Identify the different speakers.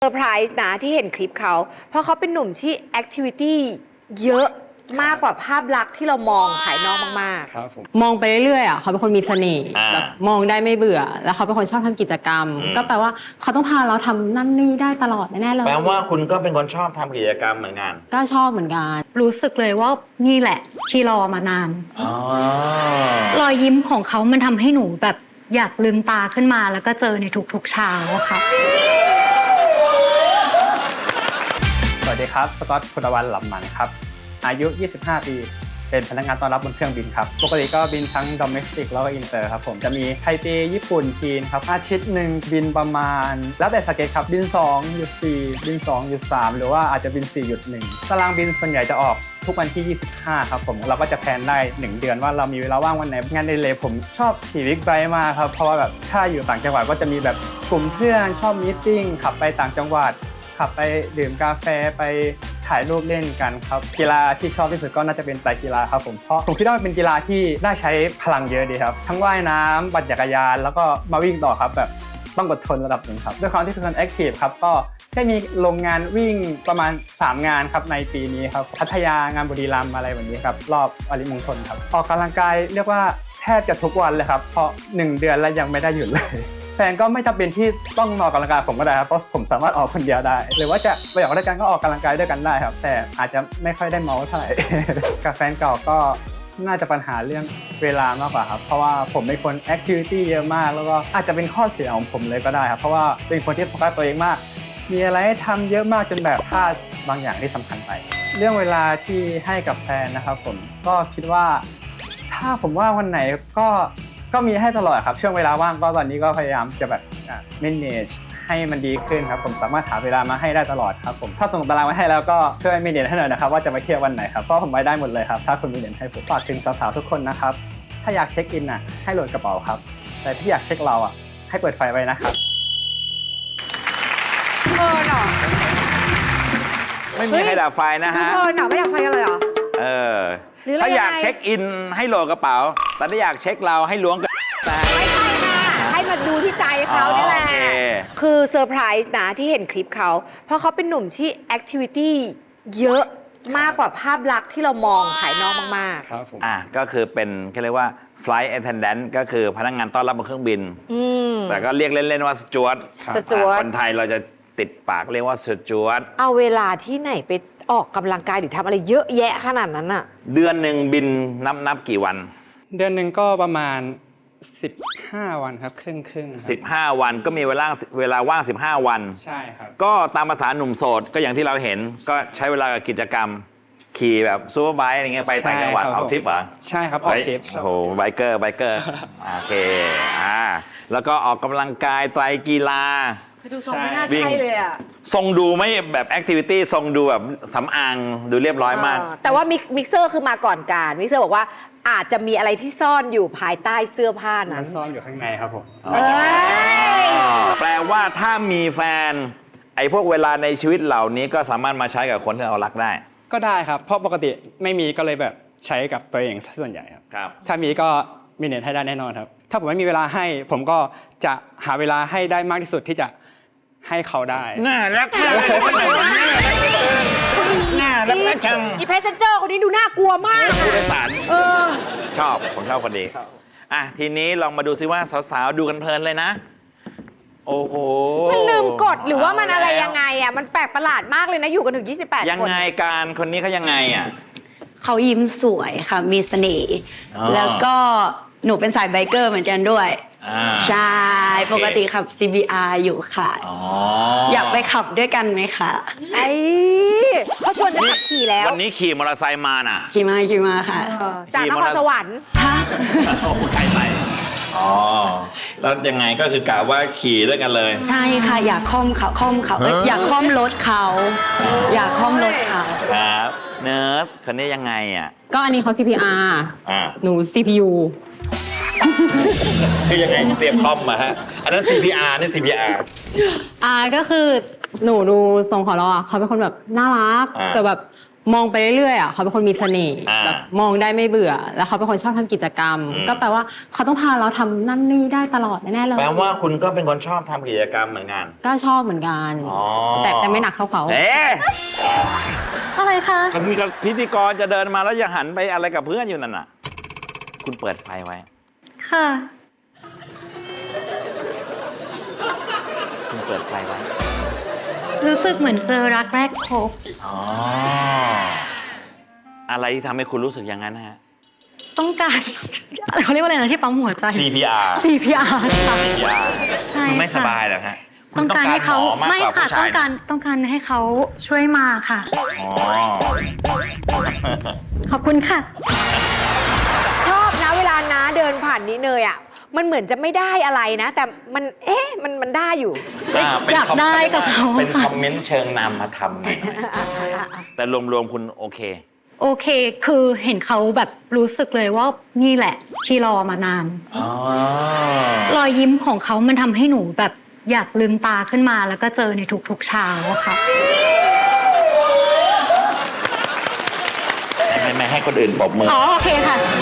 Speaker 1: เซอร์ไพรส์นะที่เห็นคลิปเขาเพราะเขาเป็นหนุ่มที่แอคทิวิตี้เยอะมากกว่าภาพลักษณ์ที่เรามองภายนอกมาก
Speaker 2: ครับผม
Speaker 3: มองไปเรื่อยๆอ่ะเขาเป็นคนมีเสน่ห์แบบมองได้ไม่เบื่อ แล้วเขาเป็นคนชอบทำกิจกรรม ก็แปลว่าเขาต้องพาเราทำนั่นนี่ได้ตลอดแน่ๆเลย
Speaker 4: แปลว่าคุณก็เป็นคนชอบทำกิจกรรมเหมือนกัน
Speaker 3: ก็ชอบเหมือนกัน
Speaker 5: รู้สึกเลยว่านี่แหละที่รอมานาน
Speaker 4: อ๋อ
Speaker 5: รอยยิ้มของเขามันทำให้หนูแบบอยากลืมตาขึ้นมาแล้วก็เจอในทุกๆเช้าอะค่ะ
Speaker 2: สวัสดีครับสกอตคุณวันหลับหมันครับอายุ 25 ปี เป็นพนักงานต้อนรับบนเครื่องบินครับปกติก็บินทั้ง domestic แล้วก็ inter ครับผมจะมีไทเปญี่ปุ่นจีนครับอาทิตย์หนึ่งบินประมาณแล้วแต่สเก็ตครับบิน2หยุด4บิน2หยุด3หรือว่าอาจจะบิน4หยุด1ตารางบินส่วนใหญ่จะออกทุกวันที่ 25 ครับผมเราก็จะแพลนได้1เดือนว่าเรามีเวลาว่างวันไหนงานในเลยผมชอบขี่บิ๊กไบค์มากครับเพราะว่าแบบถ้าอยู่ต่างจังหวัดก็จะมีแบบกลุ่มเพื่อนชอบมีตติ้งขับไปต่างจังหวัดขับไปดื่มกาแฟไปถ่ายรูปเล่นกันครับกีฬาที่ชอบที่สุดก็น่าจะเป็นไตรกีฬาครับผมเพราะผมคิดว่ามันเป็นกีฬาที่ได้ใช้พลังเยอะดีครับทั้งว่ายน้ำปั่นจักรยานแล้วก็มาวิ่งต่อครับแบบต้องอดทนระดับหนึ่งครับด้วยความที่เป็นคนแอคทีฟครับก็ได้มีลงงานวิ่งประมาณ3งานครับในปีนี้ครับพัทยางานบุรีรัมย์อะไรแบบนี้ครับรอบอริมงคลครับออกกำลังกายเรียกว่าแทบจะทุกวันเลยครับเพราะ1เดือนแล้วยังไม่ได้หยุดเลยแฟนก็ไม่จำเป็นที่ต้องออกกำลังกายผมก็ได้ครับเพราะผมสามารถออกคนเดียวได้หรือว่าจะไปออกด้วยกันก็ออกกำลังกายด้วยกันได้ครับแต่อาจจะไม่ค่อยได้เมาเท่าไหร่ กับแฟนเก่าก็น่าจะปัญหาเรื่องเวลามากกว่าครับเพราะว่าผมเป็นคนแอคทิวิตี้เยอะมากแล้วก็อาจจะเป็นข้อเสียของผมเลยก็ได้ครับเพราะว่าเป็นคนที่โฟกัสตัวเองมากมีอะไรให้ทำเยอะมากจนแบบพลาดบางอย่างที่สำคัญไปเรื่องเวลาที่ให้กับแฟนนะครับผมก็คิดว่าถ้าผมว่าวันไหนก็มีให้ตลอดครับช่วงเวลาว่างก็ตอนนี้ก็พยายามจะแบบmanage ให้มันดีขึ้นครับผมสามารถหาเวลามาให้ได้ตลอดครับผมถ้าส่งตารางมาให้แล้วก็ช่วยmanageให้หน่อยนะครับว่าจะไปเที่ยววันไหนครับเพราะผมไปได้หมดเลยครับถ้าคุณmanageให้ผมฝากถึงสาวๆทุกคนนะครับถ้าอยากเช็คอินให้โหลดกระเป๋าครับแต่ถ้าอยากเช็คเราให้เปิดไฟไว้นะครับ
Speaker 1: ๆหนอ
Speaker 4: ไม่มีใครดับไฟนะฮะ
Speaker 1: หนอไม่ดับไฟกันเลยเหรอ
Speaker 4: เออ
Speaker 1: หรืออะไร
Speaker 4: ถ้าอยาก
Speaker 1: ยังไง
Speaker 4: เช็คอินให้โหลดกระเป๋า แต่ถ้าอยากเช็คเราให้ล้วงกระเป๋า
Speaker 1: ไม่ใช่ค่ะให้มาดูที่ใจเขานี่แหละ
Speaker 4: โอเค
Speaker 1: คือเซอร์ไพรส์นะที่เห็นคลิปเขาเพราะเขาเป็นหนุ่มที่แอคทิวิตี้เยอะมากกว่าภาพลักษณ์ที่เรามองภายนอกมาก
Speaker 2: ครับผม
Speaker 4: ก็คือเป็นเขาเรียกว่า flight attendant ก็คือพนักงานต้อนรับบนเครื่องบิน
Speaker 1: ๆอืม
Speaker 4: แต่ก็เรียกเล่นๆว่าสจวต
Speaker 1: สจ๊วต
Speaker 4: คนไทยเราจะติดปากเรียกว่าสจวต
Speaker 1: เอาเวลาที่ไหนไปออกกำลังกายหรือทำอะไรเยอะแยะขนาดนั้นอะ
Speaker 4: เดือนหนึ่งบินนับกี่วัน
Speaker 2: เดือนหนึ่งก็ประมาณ15 วันครับครึ่งครับ
Speaker 4: 15 วันก็มีเวลาว่าง 15 วัน
Speaker 2: ใช่ครับ
Speaker 4: ก็ตามภาษาหนุ่มโสดก็อย่างที่เราเห็นก็ใช้เวลากับกิจกรรม ขี่แบบซูเปอร์ไบค์อะไรเงี้ยไปต่างจังหวัด
Speaker 2: ใช่ครับ
Speaker 4: เอาทริปเหรอ
Speaker 2: ใช่ครับออกทริป
Speaker 4: โอ้โหไบเกอร์โอเคแล้วก็ออกกำลังกายไตรกีฬา
Speaker 1: ดูทรงไม่น่า
Speaker 4: วิ่ง
Speaker 1: ใช่เลยอะ
Speaker 4: ทรงดูไม่แบบแอคทิวิตี้ทรงดูแบบสำอางดูเรียบร้อยมาก
Speaker 1: แต่ว่ามิกเซอร์คือมาก่อนการมิกเซอร์บอกว่าอาจจะมีอะไรที่ซ่อนอยู่ภายใต้เสื้อผ้า
Speaker 2: มั
Speaker 1: นั้น น
Speaker 2: ซ่อนอยู่ข้างในครับผม
Speaker 1: เอ้ย
Speaker 4: แปลว่าถ้ามีแฟนไอ้พวกเวลาในชีวิตเหล่านี้ก็สามารถมาใช้กับคนที่เรารักได้
Speaker 2: ก็ได้ครับเพราะปกติไม่มีก็เลยแบบใช้กับตัวเองซะส่วนใหญ่ครับ
Speaker 4: ครับ
Speaker 2: ถ้ามีก็มีเน็ตให้ได้แน่นอนครับถ้าผมไม่มีเวลาให้ผมก็จะหาเวลาให้ได้มากที่สุดที่จะให้เขาได้
Speaker 4: น่ารักมากเลยน่ารักนะจัง
Speaker 1: อีเพสเซนเจอร์คนนี้ดูน่ากลัวมาก
Speaker 4: ผู้โดยสาร
Speaker 1: เออ
Speaker 4: ผมชอบคนนี้ทีนี้ลองมาดูซิว่าสาวๆดูกันเพลินเลยนะ โอ้โห
Speaker 1: มันลืมกดหรือว่ามันอะไรยังไงอะมันแปลกประหลาดมากเลยนะอยู่กันถึง 28 คน
Speaker 4: ยังไงการคนนี้เขายังไงอ่ะ
Speaker 6: เขายิ้มสวยค่ะ มีเสน่ห์
Speaker 4: อ๋อ
Speaker 6: แล้วก็หนูเป็นสายไบเกอร์เหมือนกันด้วย ใช่ ปกติขับ CBR อยู่ค่ะ อยากไปขับด้วยกันไหมคะ
Speaker 1: ไอ้เขาชวนจะขับขี่แล้ว
Speaker 4: วันนี้ขี่มอเตอร์ไซค์มาน่ะ
Speaker 6: ขี่มาค่ะ
Speaker 1: จากนครสวรรค์
Speaker 6: ฮะ
Speaker 4: โอ้ใครไปแล้วยังไงก็คือกะว่าขี่ด้วยกันเลย
Speaker 6: ใช่ค่ะ อยากค่อมเขาเอ้ยอยากค่อมรถเขา อยากค่อมรถเขา
Speaker 4: ครับเนิร์สคนนี้ยังไงอ่ะ
Speaker 3: ก็อันนี้เขา CPR หนู CPU
Speaker 4: คือยังไงเสียบคอมมาฮะ อันนั้น CPR นี่ CPR
Speaker 3: ก็คือหนูดูทรงของเราเขาเป็นคนแบบน่ารัก แต่แบบมองไปเรื่อยๆอ่ะเขาเป็นคนมีเสน่ห์
Speaker 4: อ่า
Speaker 3: แบบมองได้ไม่เบื่อ แล้วเขาเป็นคนชอบทำกิจกรรม
Speaker 4: อืม
Speaker 3: ก็แปลว่าเขาต้องพาเราทำนั่นนี่ได้ตลอดแน่ๆเลย
Speaker 4: แปลว่าคุณก็เป็นคนชอบทำกิจกรรมเหมือนกัน
Speaker 3: ก็ชอบเหมือนกัน
Speaker 4: อ๋อ
Speaker 3: แต่ไม่หนักเท่าเขา
Speaker 4: เอ๊ะ
Speaker 5: อะไรคะ
Speaker 4: มันมีพิธีกรจะเดินมาแล้วอย่าหันไปอะไรกับเพื่อนอยู่นั่นน่ะ คุณเปิดไฟไว้
Speaker 5: ค่ะ
Speaker 4: คุณเปิดไฟไว้
Speaker 5: รู้สึกเหมือนเจอรักแรกพบ
Speaker 4: อ๋อ อะไรที่ทำให้คุณรู้สึกอย่างนั้นนะฮะ
Speaker 5: ต้องการ เขาเรียกว่าอะไรนะที่ปั๊มหัวใจ
Speaker 4: CPR
Speaker 5: CPR ค่ะ
Speaker 4: CPR
Speaker 5: ใช่
Speaker 4: คุณไม่
Speaker 5: ค่ะ
Speaker 4: สบายเหรอฮะคุณ
Speaker 5: ต้องการให้เขา
Speaker 4: หมอมาก
Speaker 5: ไม่
Speaker 4: กว่า
Speaker 5: ค่ะ
Speaker 4: ผู้ชา
Speaker 5: ต้อย งการ
Speaker 4: นะ
Speaker 5: ต้องการให้เขาช่วยมาค่ะ
Speaker 4: อ๋อ
Speaker 5: ขอบคุณค่ะ
Speaker 1: ชอบนะเวลาน้าเดินผ่านนี้เนยอ่ะ มันเหมือนจะไม่ได้อะไรนะ แต่มันมันได้อยู่
Speaker 4: เป็น
Speaker 5: อยากได้กับเขา
Speaker 4: เป็นคอมเมนต์เชิงนำมาทำหน่อยแต่รวมๆคุณโอเค
Speaker 5: โอเค คือเห็นเขาแบบรู้สึกเลยว่านี่แหละที่รอมานาน
Speaker 4: อ๋อ
Speaker 5: รอยยิ้มของเขามันทำให้หนูแบบอยากลืมตาขึ้นมาแล้วก็เจอในทุกๆเช้าค่ะ
Speaker 4: ไม่ให้คนอื่นปรบมือ
Speaker 5: อ๋อโอเคค่ะ